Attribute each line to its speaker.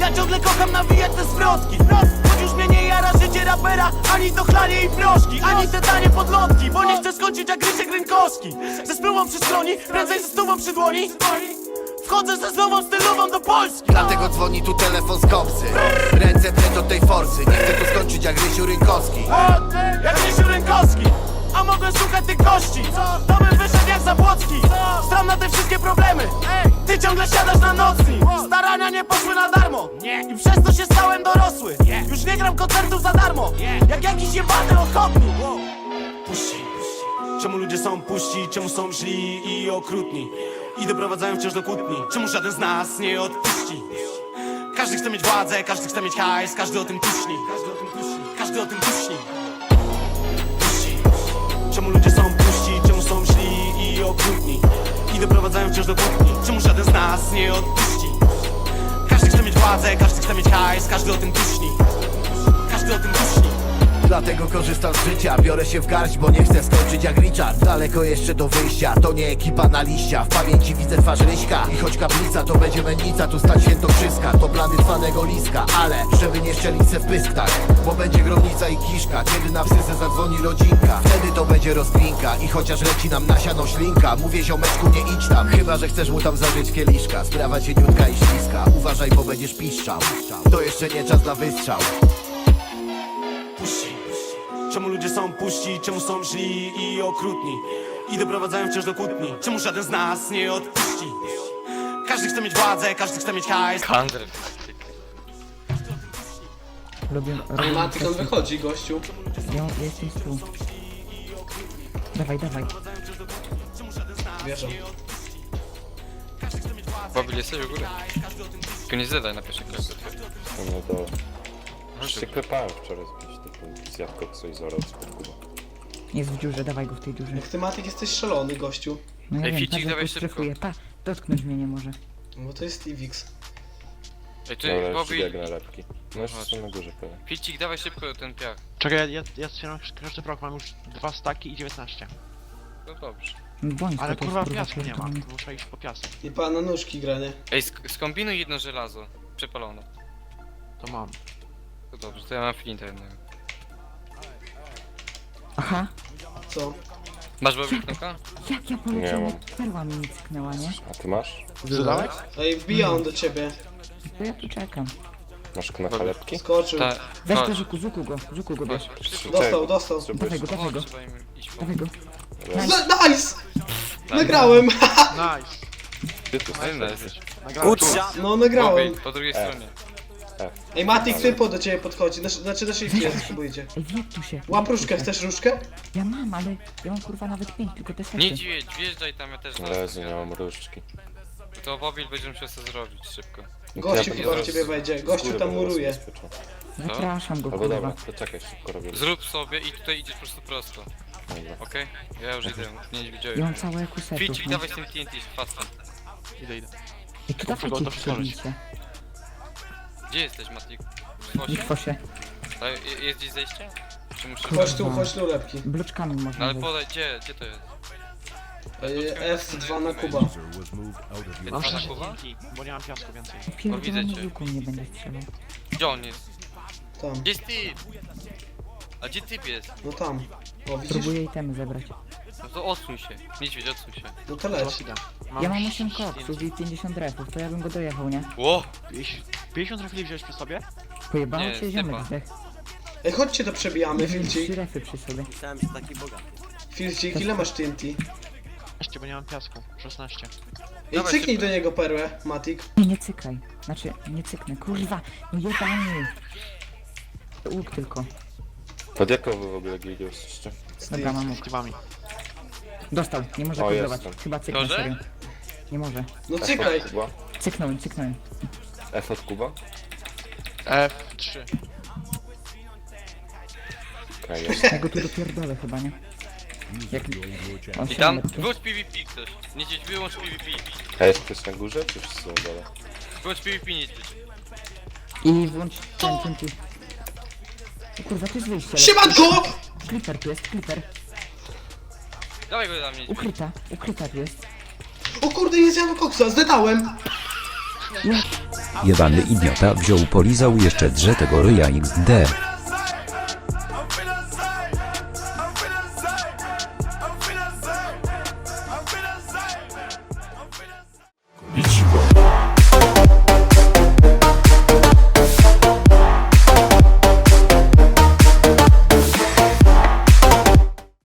Speaker 1: Ja ciągle kocham nawijać te zwrotki. Choć już mnie nie jara życie rapera, ani to chlanie i proszki, ani te tanie podlotki. Bo nie chcę skończyć jak Rysiek Rynkowski, ze spluwą przy skroni, prędzej ze stówą przy dłoni. Wchodzę ze nową stylową do Polski.
Speaker 2: Dlatego dzwoni tu telefon z kopsy. Ręce precz od tej forsy. Nie chcę tu skończyć jak Rysiu Rynkowski.
Speaker 1: Jak Rysiu Rynkowski. A mogę szukać tych kości, to bym wyszedł jak Zabłocki. Stram na te wszystkie problemy. Ty ciągle siadasz na nocnik. Starania nie poszły na darmo i przez to się stałem dorosły. Już nie gram koncertów za darmo, jak jakiś jebany ochotnik. Puści. Czemu ludzie są puści, czemu są źli i okrutni i doprowadzają wciąż do kłótni? Czemu żaden z nas nie odpuści? Każdy chce mieć władzę, każdy chce mieć hajs, każdy o tym tuśni. Każdy o tym tuśni. Puści. Czemu ludzie są puści, czemu są źli i okrutni i doprowadzają wciąż do kłótni? Czemu żaden z nas nie odpuści? Każdy chce mieć władzę, każdy chce mieć hajs, każdy o tym tuśni. Każdy o tym tuśni.
Speaker 2: Dlatego korzystam z życia, biorę się w garść, bo nie chcę skończyć jak Richard. Daleko jeszcze do wyjścia, to nie ekipa na liścia. W pamięci widzę twarz Ryśka i choć kaplica to będzie mennica, tu stać świętokrzyska. To plany trwanego liska, ale żeby nie szczelić se w pysk tak, bo będzie gromnica i kiszka. Kiedy na psyce zadzwoni rodzinka, wtedy to będzie rozkminka. I chociaż leci nam na siano ślinka, mówię ziomeczku nie idź tam, chyba że chcesz mu tam zażyć kieliszka. Sprawa cieniutka i śliska, uważaj bo będziesz piszczał. To jeszcze nie czas na wystrzał.
Speaker 1: Puści. Czemu ludzie są puści, czemu są źli i okrutni i doprowadzają wciąż do kłótni? Czemu żaden z nas nie odpuści? Każdy chce mieć władzę, każdy chce mieć hajs.
Speaker 3: Lubię...
Speaker 4: Ej, Matyk, on wychodzi, gościu.
Speaker 3: Ja jestem tu. Dawaj, dawaj.
Speaker 4: Wierzę.
Speaker 5: Babil, jesteś u góry? Tylko nie zadaj na pierwszym kroku.
Speaker 6: No to... Już się klepałem wczoraj z kimś takim zjadł koksu i zorał spod Kuba.
Speaker 3: Jest w dziurze, dawaj go w tej dziurze.
Speaker 4: Jak ty, Matyk, jesteś szalony, gościu.
Speaker 3: No ja
Speaker 5: Ej,
Speaker 3: wiem,
Speaker 5: Ficik,
Speaker 3: patrz, jak
Speaker 5: dawaj
Speaker 3: go
Speaker 5: szybko.
Speaker 3: strefuje. Pa, dotknąć mnie nie może.
Speaker 4: Bo to jest Ivix.
Speaker 5: Ej, ty,
Speaker 6: Dobra, już
Speaker 5: Babil,
Speaker 6: biegnę lepki. No jeszcze są na górze pewnie.
Speaker 5: Ficik, dawaj szybko ten piach.
Speaker 7: Czekaj, ja strzelam każdy rok, mam już 2 staki i 19.
Speaker 5: No dobrze.
Speaker 3: No bądź
Speaker 7: Ale
Speaker 3: to
Speaker 7: kurwa
Speaker 3: jest,
Speaker 7: piasku nie ma,
Speaker 3: pierdolony.
Speaker 7: muszę iść po piasek.
Speaker 4: I pana nóżki gra, nie?
Speaker 5: Ej, skombinuj jedno żelazo. Przepalone.
Speaker 7: To mam.
Speaker 5: To dobrze, to ja mam flinta jednego.
Speaker 3: Aha,
Speaker 4: Co?
Speaker 5: Masz Babil knoka?
Speaker 3: jak ja
Speaker 6: Nie
Speaker 3: poleciałem,
Speaker 6: mam.
Speaker 3: jak perła mi nie cyknęła, nie?
Speaker 6: A ty masz?
Speaker 7: Zadałeś?
Speaker 4: Ej, wbija on do ciebie.
Speaker 3: To ja tu czekam.
Speaker 6: Masz knoka lepki?
Speaker 4: Skoczył.
Speaker 5: Ta...
Speaker 3: Weź
Speaker 5: chodź,
Speaker 3: go, żuku go bierz.
Speaker 5: chodź, szybko.
Speaker 4: Dostał, dostał.
Speaker 3: Dawaj go, dawaj go,
Speaker 5: Chodź, trzeba im iść po...
Speaker 3: dawaj go.
Speaker 4: Nice! Nagrałem!
Speaker 7: Nice!
Speaker 6: Ty tu
Speaker 5: Fajna
Speaker 6: jesteś.
Speaker 5: jesteś.
Speaker 7: Nagrałem.
Speaker 4: No, nagrałem.
Speaker 5: Babil, po drugiej stronie.
Speaker 4: Ej, Matik, typo do ciebie podchodzi. Znaczy na shifcie jest, spróbujcie.
Speaker 3: Ej, wjedź tu się.
Speaker 4: Łap różkę, chcesz różkę?
Speaker 3: Ja mam, ale ja mam kurwa nawet 5, tylko te sety.
Speaker 5: Niedźwiedź, wjeżdżaj tam, ja też
Speaker 6: Leży, nie mam różdżki.
Speaker 5: To Babil będzie musiał sobie zrobić szybko.
Speaker 4: Gościu
Speaker 6: Ja
Speaker 4: chyba w
Speaker 5: zaraz-
Speaker 4: ciebie wejdzie.
Speaker 6: Z
Speaker 4: Gościu
Speaker 6: góry
Speaker 4: tam
Speaker 6: będę
Speaker 4: muruje.
Speaker 6: zabezpieczał.
Speaker 3: Zapraszam go,
Speaker 6: Albo dobra,
Speaker 3: kurwa.
Speaker 6: to czekaj, szybko robię.
Speaker 5: Zrób sobie i tutaj idziesz po prostu prosto.
Speaker 6: Dobra.
Speaker 5: Okej? Ja już idę, nie
Speaker 3: Ja
Speaker 5: widziałem.
Speaker 3: mam całe kusetów,
Speaker 5: Ficik,
Speaker 3: nie?
Speaker 5: dawaj z tym TNT, fastem.
Speaker 7: Idę.
Speaker 3: I tu
Speaker 7: Muszę go
Speaker 3: dawajcie
Speaker 7: to przełożyć.
Speaker 3: przebijcie.
Speaker 5: Gdzie jesteś, Matik? W
Speaker 3: Nie
Speaker 5: fosie?
Speaker 3: kwosie.
Speaker 5: Jest gdzieś zejście? Czy muszę...
Speaker 4: Chodź tu, lepki.
Speaker 3: Bloczkami
Speaker 5: No
Speaker 3: można
Speaker 5: ale
Speaker 3: wejść.
Speaker 5: podaj, gdzie to jest?
Speaker 4: F2 na Kuba.
Speaker 7: Mam
Speaker 5: Pana
Speaker 7: 6
Speaker 5: Kuba?
Speaker 7: TNT, bo nie mam piasku więcej.
Speaker 3: Pierdolony
Speaker 5: widzę cię.
Speaker 3: łuku nie będę strzelał.
Speaker 5: Gdzie on jest?
Speaker 4: Tam.
Speaker 5: Gdzie jest typ? A gdzie typ jest?
Speaker 4: No tam. O, widzisz?
Speaker 3: Próbuję itemy zebrać.
Speaker 5: No to odsuń się. Niedźwiedź, odsuń się.
Speaker 4: No to leć.
Speaker 7: Teraz idę.
Speaker 3: Ja mam 8 koksów i 50 refów, to ja bym go dojechał, nie?
Speaker 5: Ło!
Speaker 7: 50 trafili wziąłeś przy sobie?
Speaker 3: Pojebało
Speaker 5: Nie,
Speaker 3: cię
Speaker 5: typa.
Speaker 3: ziomek zdech.
Speaker 4: Ej, chodźcie to przebijamy,
Speaker 3: Miałem 3
Speaker 4: Filcik.
Speaker 3: refy przy sobie.
Speaker 4: Filcik, ile masz TNT?
Speaker 7: 16, bo nie mam piasku. 16.
Speaker 4: Ej,
Speaker 5: Dawaj
Speaker 4: cyknij
Speaker 5: szybko.
Speaker 4: do niego perłę, Matik.
Speaker 3: Nie cykaj. Znaczy, nie cyknę. Kurwa, no jebany. To łuk tylko.
Speaker 6: Pod jaką wy w ogóle gildią jesteście?
Speaker 3: Dobra, mam
Speaker 7: Z
Speaker 3: łuk.
Speaker 7: tybami.
Speaker 3: Dostał, nie może
Speaker 6: O,
Speaker 3: kodlować.
Speaker 6: jestem.
Speaker 3: Chyba cyknę,
Speaker 5: Może?
Speaker 3: serio. Nie może.
Speaker 4: No
Speaker 6: F
Speaker 4: cykaj.
Speaker 6: od Kuba?
Speaker 3: Cyknąłem.
Speaker 6: F od Kuba?
Speaker 7: F3.
Speaker 6: Okej, jest.
Speaker 3: Ja go tu dopierdolę chyba, nie? Jak... O,
Speaker 5: I tam,
Speaker 3: siedemnetki.
Speaker 5: wyłącz PvP ktoś. Niedźwiedź, wyłącz PvP.
Speaker 6: A jest ktoś na górze, czy wszyscy na dole?
Speaker 5: Wyłącz PvP, niedźwiedź.
Speaker 3: I włącz ten tu. O kurwa, to jest wyjście.
Speaker 4: Siemanko!
Speaker 3: Clipper tu jest, clipper.
Speaker 5: Dawaj go tam, niedźwiedź.
Speaker 3: Ukryta tu jest.
Speaker 4: O kurde, jest Jan Koksa, zdedałem!
Speaker 3: Ja
Speaker 8: Jebany idiota wziął polizał jeszcze drze tego ryja XD.